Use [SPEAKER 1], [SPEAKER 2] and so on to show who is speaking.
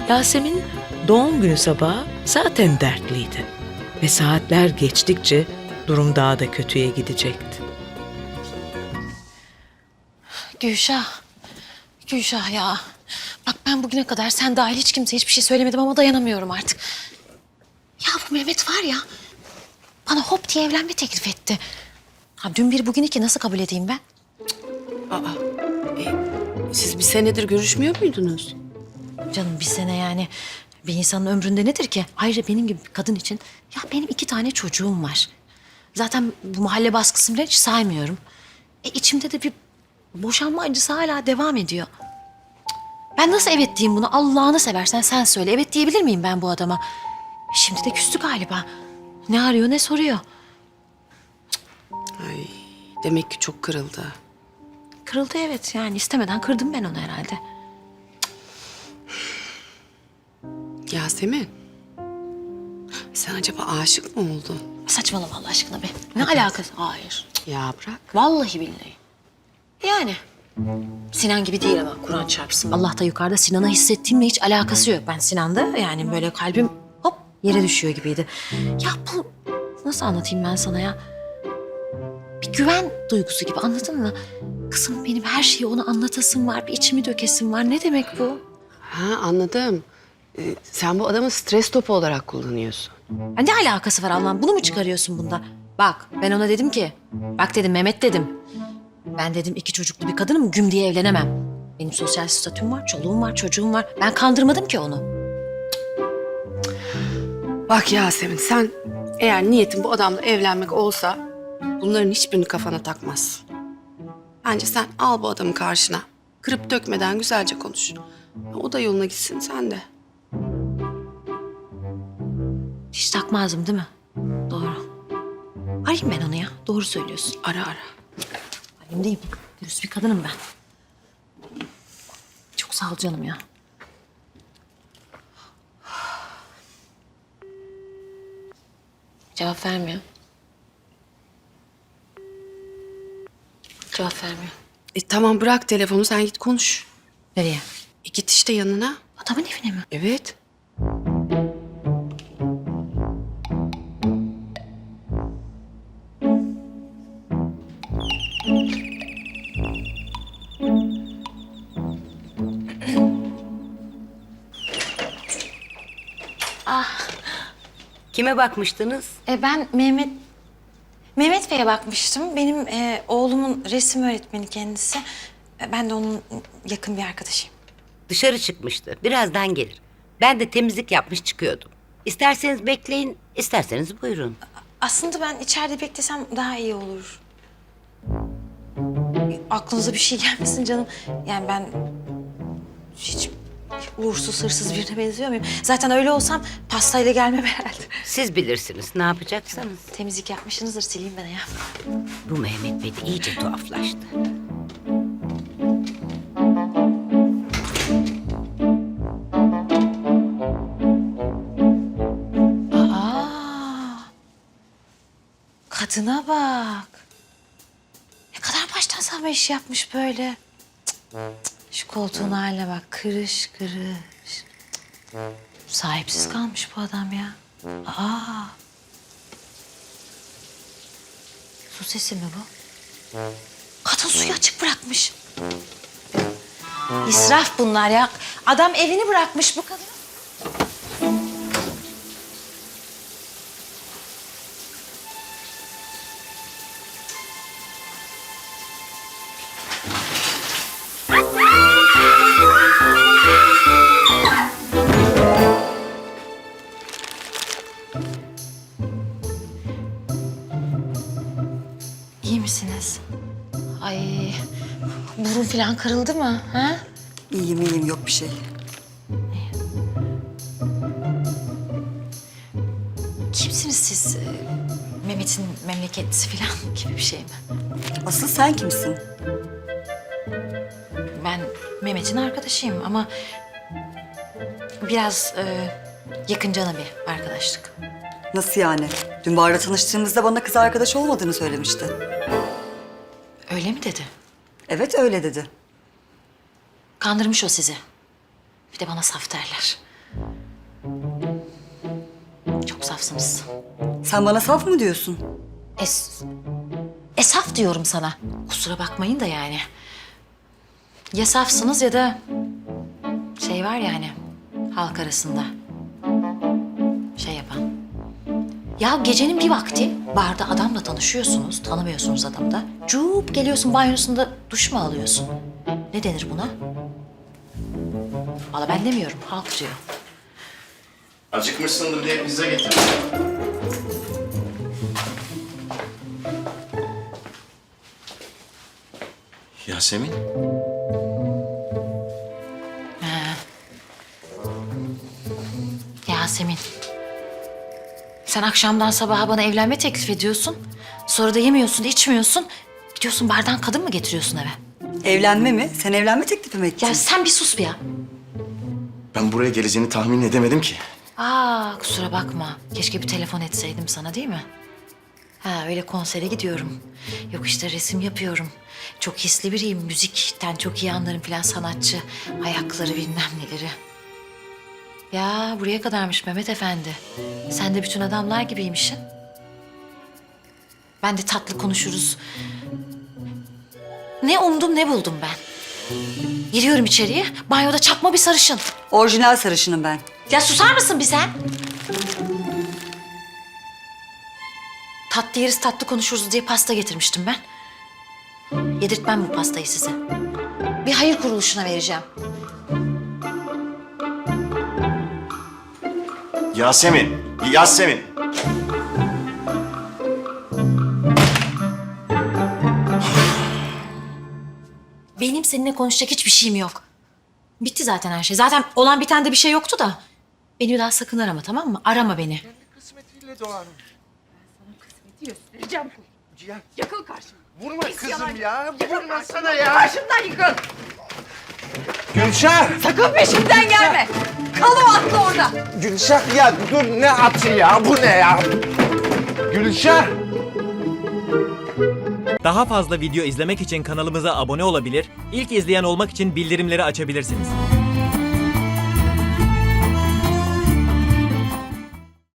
[SPEAKER 1] Yasemin doğum günü sabahı zaten dertliydi. Ve saatler geçtikçe durum daha da kötüye gidecekti.
[SPEAKER 2] Gülşah. Gülşah ya. Bak ben bugüne kadar sen dahil hiç kimseye hiçbir şey söylemedim ama dayanamıyorum artık. Ya bu Mehmet var ya, bana hop diye evlenme teklif etti. Ha, dün bir bugün iki nasıl kabul edeyim ben?
[SPEAKER 3] Siz bir senedir görüşmüyor muydunuz?
[SPEAKER 2] Canım bir sene yani bir insanın ömründe nedir ki? Ayrıca benim gibi bir kadın için ya benim 2 tane çocuğum var. Zaten bu mahalle baskısını bile hiç saymıyorum. İçimde de bir boşanma acısı hala devam ediyor. Cık, ben nasıl evet diyeyim buna? Allah'ını seversen sen söyle. Evet diyebilir miyim ben bu adama? Şimdi de küstü galiba. Ne arıyor ne soruyor.
[SPEAKER 3] Ay, demek ki çok kırıldı.
[SPEAKER 2] Kırıldı evet yani istemeden kırdım ben onu herhalde.
[SPEAKER 3] Yasemin, sen acaba aşık mı oldun?
[SPEAKER 2] Saçmalama Allah aşkına be. Ne alakası? Hayır.
[SPEAKER 3] Ya bırak.
[SPEAKER 2] Vallahi billahi. Yani Sinan gibi değil ama Kur'an çarpsın. Allah da yukarıda Sinan'a hissettiğimle hiç alakası yok. Ben Sinan'da yani böyle kalbim hop yere düşüyor gibiydi. Ya bu nasıl anlatayım ben sana ya? Bir güven duygusu gibi anladın mı? Kızım benim her şeyi ona anlatasım var, bir içimi dökesim var. Ne demek bu?
[SPEAKER 3] Ha, anladım. Sen bu adamı stres topu olarak kullanıyorsun.
[SPEAKER 2] Ya ne alakası var Allah'ım? Bunu mu çıkarıyorsun bunda? Bak ben ona dedim ki, bak dedim Mehmet dedim. Ben dedim 2 çocuklu bir kadınım güm diye evlenemem. Benim sosyal statüm var, çoluğum var, çocuğum var. Ben kandırmadım ki onu.
[SPEAKER 3] Bak Yasemin, sen eğer niyetin bu adamla evlenmek olsa bunların hiçbirini kafana takmazsın. Bence sen al bu adamı karşına. Kırıp dökmeden güzelce konuş. O da yoluna gitsin, sen de.
[SPEAKER 2] Hiç takmazdım değil mi? Doğru. Arayayım ben onu ya. Doğru söylüyorsun.
[SPEAKER 3] Ara ara.
[SPEAKER 2] Arayayım değil mi? Dürüst bir kadınım ben. Çok sağ ol canım ya. Cevap vermiyor. Cevap vermiyor.
[SPEAKER 3] Tamam bırak telefonu, sen git konuş.
[SPEAKER 2] Nereye?
[SPEAKER 3] Git işte yanına.
[SPEAKER 2] Adamın evine mi?
[SPEAKER 3] Evet.
[SPEAKER 4] Kime bakmıştınız?
[SPEAKER 2] Ben Mehmet Bey'e bakmıştım. Benim oğlumun resim öğretmeni kendisi. Ben de onun yakın bir arkadaşıyım.
[SPEAKER 4] Dışarı çıkmıştı. Birazdan gelir. Ben de temizlik yapmış çıkıyordum. İsterseniz bekleyin, isterseniz buyurun.
[SPEAKER 2] Aslında ben içeride beklesem daha iyi olur. Aklınıza bir şey gelmesin canım. Yani ben hiç uğursuz, hırsız birine benziyor muyum? Zaten öyle olsam pastayla gelmem herhalde.
[SPEAKER 4] Siz bilirsiniz ne yapacaksanız.
[SPEAKER 2] Temizlik yapmışsınızdır, sileyim ben ya.
[SPEAKER 4] Bu Mehmet Bey de iyice tuhaflaştı.
[SPEAKER 2] Aa, kadına bak. Ne kadar baştan savma iş yapmış böyle. Cık, cık. Şu koltuğun haline bak, kırış kırış. Cık. Sahipsiz kalmış bu adam ya. Aa. Su sesi mi bu? Kadın suyu açık bırakmış. İsraf bunlar ya. Adam evini bırakmış bu kadın. İyi misiniz? Ay, burun falan kırıldı mı? Ha?
[SPEAKER 5] İyiyim yok bir şey.
[SPEAKER 2] Kimsiniz siz? Mehmet'in memleketlisi falan gibi bir şey mi?
[SPEAKER 5] Asıl sen kimsin?
[SPEAKER 2] Ben Mehmet'in arkadaşıyım ama biraz yakıncana bir arkadaşlık.
[SPEAKER 5] Nasıl yani? Dün barda tanıştığımızda bana kız arkadaş olmadığını söylemişti.
[SPEAKER 2] Öyle mi dedi?
[SPEAKER 5] Evet öyle dedi.
[SPEAKER 2] Kandırmış o sizi. Bir de bana saf derler. safsınız.
[SPEAKER 5] Sen bana saf mı diyorsun?
[SPEAKER 2] Saf diyorum sana. Kusura bakmayın da yani. Ya safsınız ya da şey var yani halk arasında şey yapan. Ya gecenin bir vakti barda adamla tanışıyorsunuz, tanımıyorsunuz adamı da. Cuup geliyorsun banyosunda duş mu alıyorsun? Ne denir buna? Valla ben demiyorum, halk diyor.
[SPEAKER 6] Acıkmışsındır diye pizza getirdim. Yasemin?
[SPEAKER 2] Yasemin. Sen akşamdan sabaha bana evlenme teklif ediyorsun. Sonra da yemiyorsun, içmiyorsun. Gidiyorsun bardan kadın mı getiriyorsun eve?
[SPEAKER 5] Evlenme mi? Sen evlenme teklifi mi ettin?
[SPEAKER 2] Ya sen bir sus bir ya.
[SPEAKER 6] Ben buraya geleceğini tahmin edemedim ki.
[SPEAKER 2] Kusura bakma. Keşke bir telefon etseydim sana değil mi? Öyle konsere gidiyorum. Yok işte resim yapıyorum. Çok hisli biriyim. Müzikten çok iyi anlarım filan sanatçı. Ayakları bilmem neleri. Ya buraya kadarmış Mehmet Efendi. Sen de bütün adamlar gibiymişsin. Ben de tatlı konuşuruz. Ne umdum ne buldum ben. Giriyorum içeriye. Banyoda çakma bir sarışın.
[SPEAKER 5] Orijinal sarışınım ben.
[SPEAKER 2] Ya susar mısın bir sen? Tatlı yeriz tatlı konuşuruz diye pasta getirmiştim ben. Yedirtmem bu pastayı size. Bir hayır kuruluşuna vereceğim.
[SPEAKER 6] Yasemin! Yasemin!
[SPEAKER 2] Benim seninle konuşacak hiçbir şeyim yok. Bitti zaten her şey. Zaten olan biten de bir şey yoktu da. Beni bir daha sakın arama, tamam mı? Arama beni.
[SPEAKER 7] Kısmetiyle doğar.
[SPEAKER 8] Göstereceğim. Yakıl karşıma.
[SPEAKER 7] Vurma kızım
[SPEAKER 8] yalan.
[SPEAKER 7] ya.
[SPEAKER 8] Yakıl
[SPEAKER 7] Vurma
[SPEAKER 8] karşıma.
[SPEAKER 7] sana ya.
[SPEAKER 8] Karşımdan yıkıl.
[SPEAKER 7] Gülşah.
[SPEAKER 8] Sakın peşimden gelme. Kal o atla orada.
[SPEAKER 7] Gülşah ya dur ne atı ya bu ne ya? Gülşah.
[SPEAKER 9] Daha fazla video izlemek için kanalımıza abone olabilir, ilk izleyen olmak için bildirimleri açabilirsiniz.